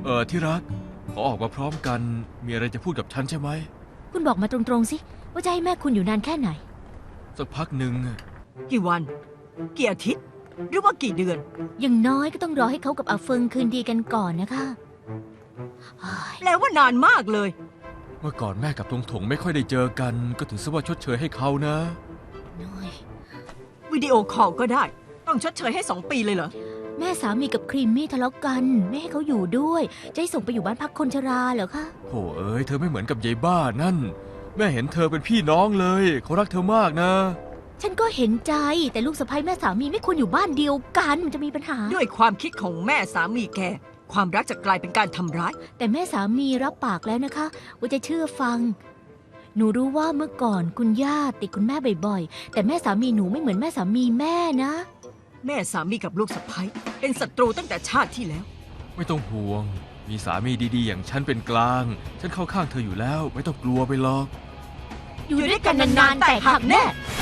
ที่รักขอออกมาพร้อมกันมีอะไรจะพูดกับฉันใช่ไหมคุณบอกมาตรงๆสิว่าจะให้แม่คุณอยู่นานแค่ไหนสักพักหนึ่งกี่วันกี่อาทิตย์หรือว่ากี่เดือนอย่างน้อยก็ต้องรอให้เขากับอาเฟิงคืนดีกันก่อนนะคะแปลว่านานมากเลยเมื่อก่อนแม่กับทงถงไม่ค่อยได้เจอกันก็ถือซะว่าชดเชยให้เขานะน้อยวิดีโอคอลก็ได้ต้องชดเชยให้2 ปีเลยเหรอแม่สามีกับครีมมี่ทะเลาะกันไม่ให้เขาอยู่ด้วยจะให้ส่งไปอยู่บ้านพักคนชราเหรอคะโถ่เอ้ยเธอไม่เหมือนกับยายบ้านั่นแม่เห็นเธอเป็นพี่น้องเลยเขารักเธอมากนะฉันก็เห็นใจแต่ลูกสะใภ้แม่สามีไม่ควรอยู่บ้านเดียวกันมันจะมีปัญหาด้วยความคิดของแม่สามีแกความรักจะกลายเป็นการทำร้ายแต่แม่สามีรับปากแล้วนะคะว่าจะเชื่อฟังหนูรู้ว่าเมื่อก่อนคุณย่าติดคุณแม่บ่อยๆแต่แม่สามีหนูไม่เหมือนแม่สามีแม่นะแม่สามีกับลูกสะใภ้เป็นศัตรูตั้งแต่ชาติที่แล้วไม่ต้องห่วงมีสามีดีๆอย่างฉันเป็นกลางฉันเข้าข้างเธออยู่แล้วไม่ต้องกลัวไปหรอกอยู่ด้วยกันนานๆแต่หักแน่